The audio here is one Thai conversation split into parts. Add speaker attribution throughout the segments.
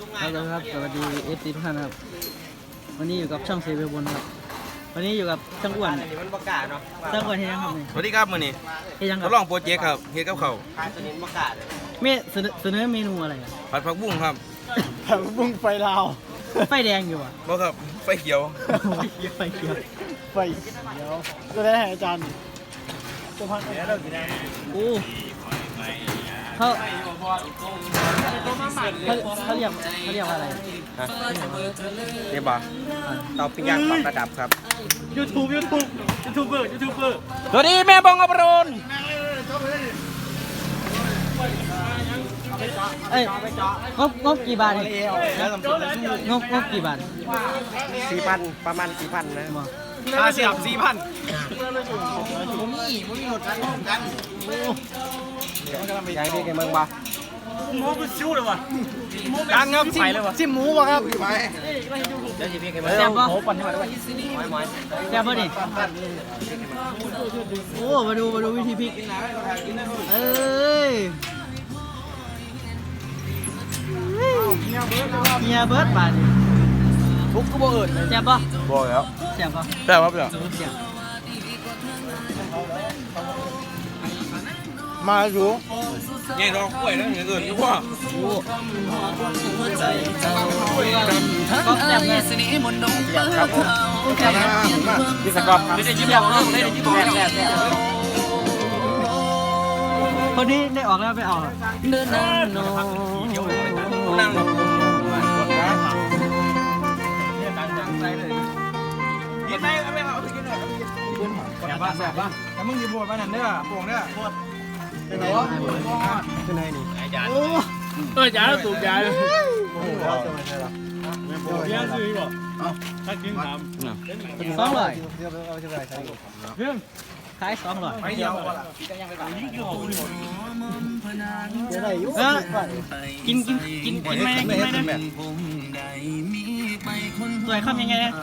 Speaker 1: ครับสวัสดีFCทุกท่านครับวันนี้อยู่กับช่องเซเวลบนครับวันนี้อยู่กับช่างอ้วนมันประกาศเนาะช่างอ้วนเฮียครับนี่
Speaker 2: สวัสดีครับมื้อนี้
Speaker 1: เฮียยังค
Speaker 2: ท
Speaker 1: รับ
Speaker 2: ดลองโปรเจกต์ครับเฮ็ดกับเขาว
Speaker 1: เสนอเมนูอะไร
Speaker 2: ผัดผักบุ้งครับ
Speaker 3: ผักบุ้งไฟลาว
Speaker 1: ไฟแดงอยู่อ่ะ
Speaker 2: บ่ครับไฟเขียว
Speaker 1: ไฟเขียว
Speaker 3: ไฟเดี๋ยวก็ได้ให้อาจารย์ตัวพัน
Speaker 1: โอ้เขาเรียกว่าอะไร
Speaker 2: นี่บ่เตาปิ้งย่างปรับระดับครับ
Speaker 1: ยูทูบเบอร์
Speaker 2: สวัสดีแม่บองอภรณ์
Speaker 1: เอ้ยงบกี่บาทงบกี่บาท
Speaker 3: 4,000ประมาณ 4,000นะ
Speaker 2: ค่าเสียบ 4,000
Speaker 3: ยายพี่แกเมืองบ่
Speaker 2: ดังครับไปเลยวะ
Speaker 3: จิ้มหมูบ่ครับไป
Speaker 1: แซ่บป่ะแซ่บป่ะนี่โอ้มาดูวิธีพริกเอ้ยเมียเบิร์ดบาท
Speaker 3: ทุกก็บ่เอิญ
Speaker 1: แซ่บป่ะ
Speaker 2: บ่แล้ว
Speaker 1: แซ่บป่ะ
Speaker 2: แต่ว่าเปล่า
Speaker 1: แซ่บ
Speaker 3: มาอยู่
Speaker 2: แง่ดอกกล้วยแล้วอย่างอื่นดีกว่า
Speaker 1: โอ้ก็แซ่บไง
Speaker 3: ครับผมพี่สกอตครับ
Speaker 1: คนนี้ได้ออกแล้วไปออก
Speaker 2: นั่งกินได้เอาไปเอาไปกินหน่อยแซ่บป่ะแต่มึงอย่าบ่นมานั่นเด้อโป่งเด้อ
Speaker 3: เป็นไงวะเป็นไงนี่
Speaker 4: ยาสูบยาเลย
Speaker 3: โอ้โหจะมาใช่หรอ
Speaker 4: เลี้ยงซื้อบ่ถ้ากินถาม
Speaker 1: 200
Speaker 3: เอาจะไปใช้
Speaker 4: เรื่อง
Speaker 1: ขาย200
Speaker 2: ไปเดียวก่อนล่ะ
Speaker 3: จะได้อยู่
Speaker 1: กินไหมสวยคำยังไงนะ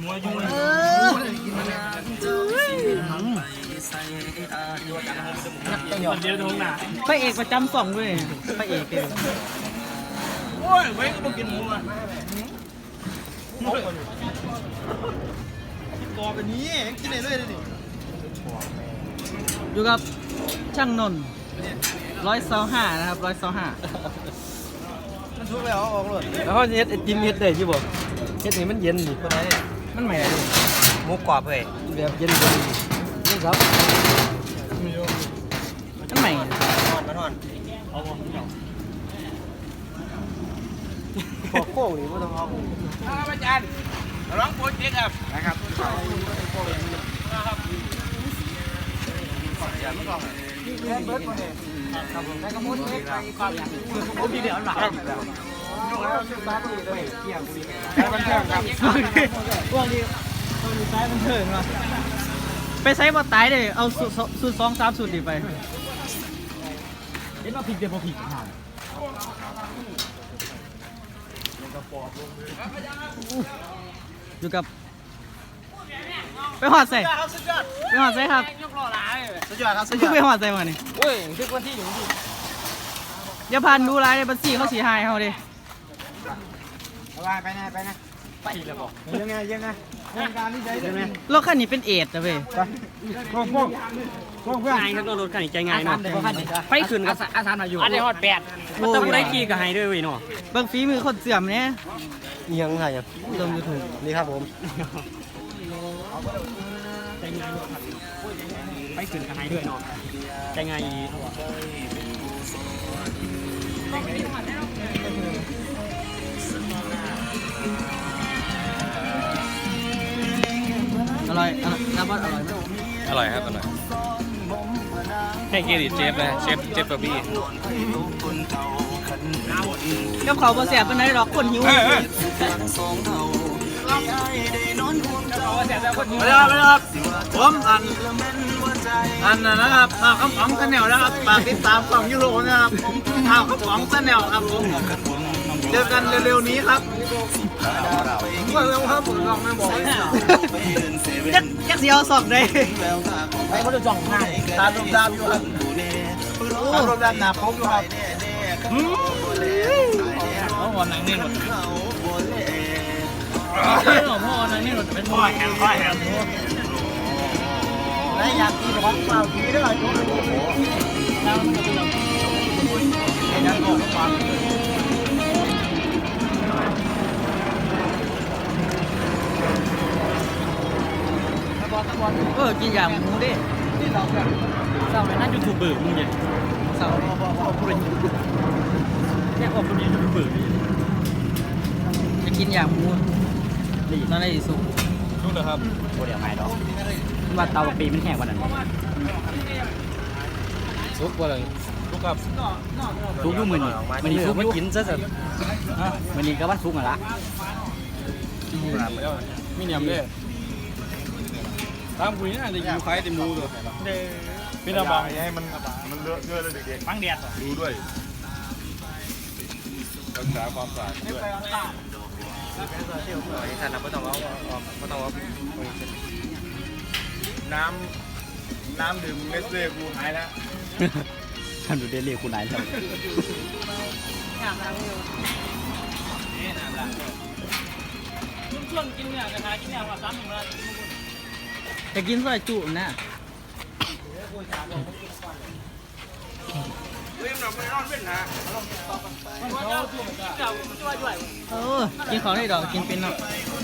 Speaker 4: มันเดียวท้องหนา
Speaker 1: พระเอกประจำสองด้วยพระเอกเลย
Speaker 2: โอ้ยเว้ยต้องกินหมูอ่ะ
Speaker 3: กอเป็นนี้กินได้เลยดิ
Speaker 1: อยู่กับช่างนนท์125นะครับ125
Speaker 3: มันทุกแล้วออกเลย
Speaker 2: แล้วเขาเฮ็ดไอติมเฮ็ดได้ที่บ่เฮ็ดให้มันเย็นนี่คนไหนมันใหม่เลยหมูกรอบเฮ้ยแบบเย็นนี่ครับ
Speaker 1: อันใหม่
Speaker 3: ขอโค้งนี่ไม่ต้องเอา
Speaker 2: อาจารย์ร้องโปรเจกต์ครับนะครับ
Speaker 1: พวกนี้ซ้ายมันเถิงว่ะไปไซส์บอตายเลยเอาสูตร2-3สูตรดิไปเห็นว่าผิดเดี๋ยวพอผิดอยู่กับไปหอดใส่ครับ
Speaker 3: สุดยอดครับสุดยอด
Speaker 1: ไปหอดใส่มานี่
Speaker 3: โอ้ยทุกวันที่อยู่ที่
Speaker 1: อย่าพันดูร้ายในบัญชีเขาสีหายเขาดิ
Speaker 3: ไปนะไปแล้วบอกยังไงยังการที่ใช้ยังไง
Speaker 1: รถคันนี้เป็นเอทนะเว้ย
Speaker 3: พวกเพื่อน
Speaker 4: ง่ายครับรถคันนี้ใจง่ายเนาะไฟขึ้นกับอาสามาอยู่อันนี้ฮอด8มันต้องได้ขี่กับไฮด้วยเว้ยเนาะ
Speaker 1: เบิ่งฝีมือคนเสื่อมเนี่ย
Speaker 3: ยังไงอ่ะ
Speaker 1: ลงยูทูบ
Speaker 3: นี่ครับผม
Speaker 4: ไฟขึ้นกับไฮด้วยเนาะใจง่าย
Speaker 1: อร่อยน้ำบอสอร่อยไหม
Speaker 2: อร่อยครับอร่อยให้เครดิตเชฟนะเชฟบะบี้
Speaker 1: กับเขาบ่แสบเป็นไรหรอกคนหิว
Speaker 2: ไม่ได้ครับผมอันนะครับข้าวของเสนลนะครับฝากติดตามของยูโรนะครับข้าวของเสนลครับผมเจอกันเร็วๆนี้ครับเร็วครับผมลองไม่บอกเลย
Speaker 1: ยักษ์เสียวสอกได้
Speaker 3: ไปเขาจะจ่องง่ายตามดามอยู่ครับตามดามหนาพบอยู่ครับ
Speaker 4: พ่อหนังนี่หมดพ่อหนังนี่หมดเป็นพ่อแหง
Speaker 3: แล้วอยากกินของเปล่ากินไม่ได้หรอกจุ๊บแล้วมันจะเป็นแบบยันบอกฟัง
Speaker 1: กินอย่างหมูดิ
Speaker 3: ที่เราแบบ
Speaker 4: เศร้าเลยนั่นยูทูบเบอร์มึงเนี่ย
Speaker 1: เสา
Speaker 4: พูดเลยแค่ว่าคนนี้ยูทูบเบอร์
Speaker 1: จะกินอย่างหมูตอนไหนสุก
Speaker 4: รู้เลยครับโอ้เดี๋ยวไม่ดอกว่าเตาปีมันแห้งกว่านั้น
Speaker 3: ซุปอะไรซุปกับ
Speaker 4: ซุกยุ่มือนี่มันนี่ซุกไม่กินซะสิมันนี่ก็ว่าซุกอ่ะละ
Speaker 3: มีเนียมด้วยตามคุยน่าจะอยู่คล้ายเต็มรูเลยพี่ระบังให้มันเลอะเทอะเลยเด็กๆ
Speaker 4: ฟังแดด
Speaker 3: ดูด้วยรักษาความสะอาดด้วย
Speaker 2: ที่ท่านนะไม่ต้องเอาน้ำดื่มเนสเล่กูหายแล้ว
Speaker 4: ท่านดูเดลี่คุณนายครับ ช่วงกินเนี่ยกระทากินเนี่ยว่า3 มื้อ
Speaker 1: จะกินซอยจุนะ กินของได้ดอกกินเป็นเนาะ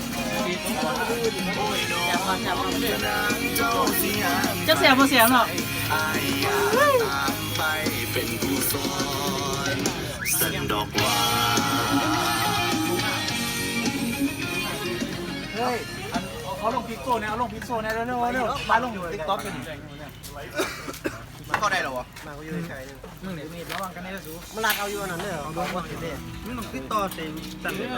Speaker 1: จะเสียบ่เสียเนาะ
Speaker 5: เป็นผู้สอนสันดอกว่า
Speaker 2: เฮ้ยเอาลงพิกโซเนี่ยเอาลงพิกโซเนี่ยเร็วมาลงติ๊กต็อกกันก็ได้หรอวะมาก็อยู่ใกล้ๆมึงเนี่ยมีระวังกันได้สูมันลากเอาอยู่นั่นเลยเอาลงมาสิเด้มึงต้องติดต่อเสียงสั่นเลย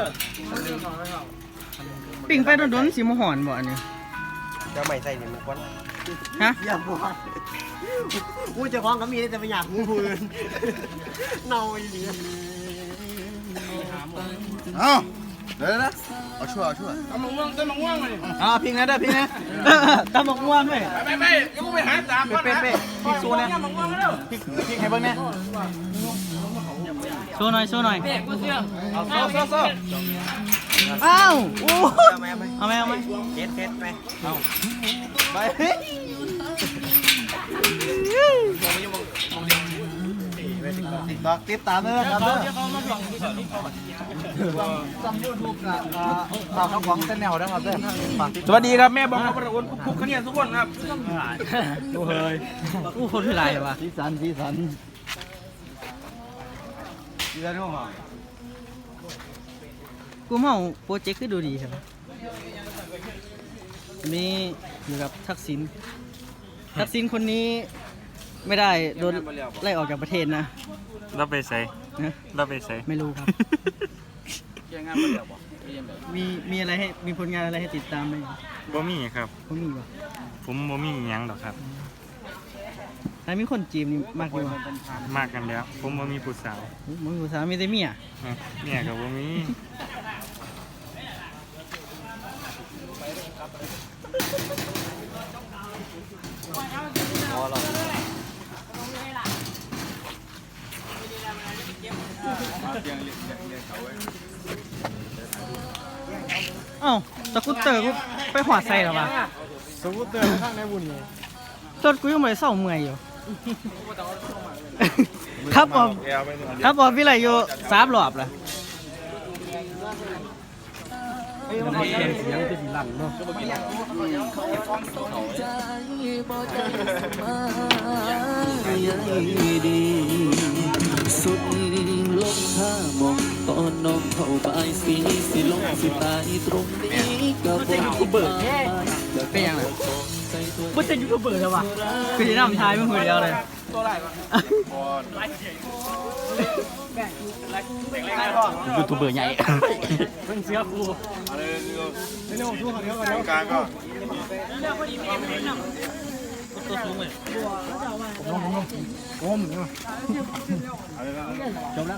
Speaker 1: ปิ่งไปโดนๆสิมหอนบ่อันนี้
Speaker 2: จะไม่ใส่เนี่ยมันควัน
Speaker 1: ฮะ
Speaker 2: อย่าบอกกูจะคล้องก็มีแต่ไม่อยากกูพื้นเน่าอีหลี
Speaker 3: เอาเดี๋ยวนะเอาชั่วเอามะม่วงต้นมะม่วงเลย
Speaker 2: พิงนะเด้อพิงนะ
Speaker 1: ตำบักม่วงเลย
Speaker 3: ไปยังไปหาตามก่อนนะ
Speaker 2: เป๊ะพิงโซเนี่ยพิงให้เบิ่งเนี่ย
Speaker 1: โชว์หน่อย
Speaker 2: เอาโซ่
Speaker 1: อ้าวโอ้
Speaker 2: เอาไหม
Speaker 1: เอาไหม
Speaker 2: เฮ็ดไปเอาไปติ๊กต็อกติดตามเลยครับเด้อจำยูทูบกับข่าวของเส้นแนวนะครับเด้อสวัสดีครับแม่บอกครับวันคุกคะแนนทุกคนครับ
Speaker 1: ดูเฮ้ยอู้คนที่ไรวะ
Speaker 3: สีสัน
Speaker 2: เดือนนู้นเหรอ
Speaker 1: กูเมาโปรเจกต์คือดูดีใช่ไหมนี่อยู่กับทักษิณคนนี้ไม่ได้โดนไล่ออกจากประเทศนะ
Speaker 4: เราไปใส่
Speaker 1: นะ
Speaker 4: เราไปใส่
Speaker 1: ไม่รู้ครับ มีอะไรให้มีผลงานอะไรให้ติดตามไหม
Speaker 4: บ่มีครับ
Speaker 1: เขามีวะ
Speaker 4: ผมบ่มีหยังดอกครับ
Speaker 1: แต่มีคนจีบนี่มากอยู่วะ
Speaker 4: มากกันแล้ว ผมบ่มีผู้สาว
Speaker 1: มึงภาษามีแต่เมีย
Speaker 4: เนี่ยก็บ่มี
Speaker 1: เอ้าสกูตเตอร์กูไปหอดใส่หรอวะ
Speaker 3: สกูตเตอร์ข้างในบุญเลย
Speaker 1: รถกูยังไม่ได้เศร้าเมื่อยอยู่ ครับผมพี่ไรอยู่3 รอบแล้ว
Speaker 3: เสียงจะสีหลังเนาะ
Speaker 5: สุดลงท่ามองตอนน้องเข้าไปสิลงสิตายตรงนี้กับผมเบิก
Speaker 1: เป็นยังไงมันจะยูทูบเบอร์แล้ววะคือจะนำทายมึงคนเดียวเลย
Speaker 4: ยูทูบเบอร์ใหญ่
Speaker 3: เป็นเสือครูเร็วทุกคนเดี๋ยวก่อนกลางก็
Speaker 1: ตัวสูงเลย
Speaker 3: โอ้มเนี่ย
Speaker 4: จบแล้ว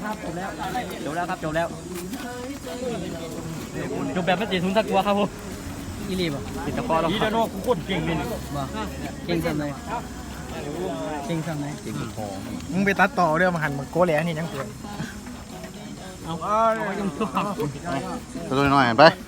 Speaker 4: จบแบบไม่ติดทุนสักตัวครับผม
Speaker 1: อีรีบอ่ะ
Speaker 4: ติดตะกอเราดีเด้อเนาะกูโคตรเก่งเลยนี่
Speaker 1: บ่เก่งทำไหนเก่งทำไหน
Speaker 2: มึงไปตัดต่อเรื่องมาหันมึงโก้แหล่นี่ยังเปลี่ยน
Speaker 3: เอา
Speaker 2: ตัวน้อยไป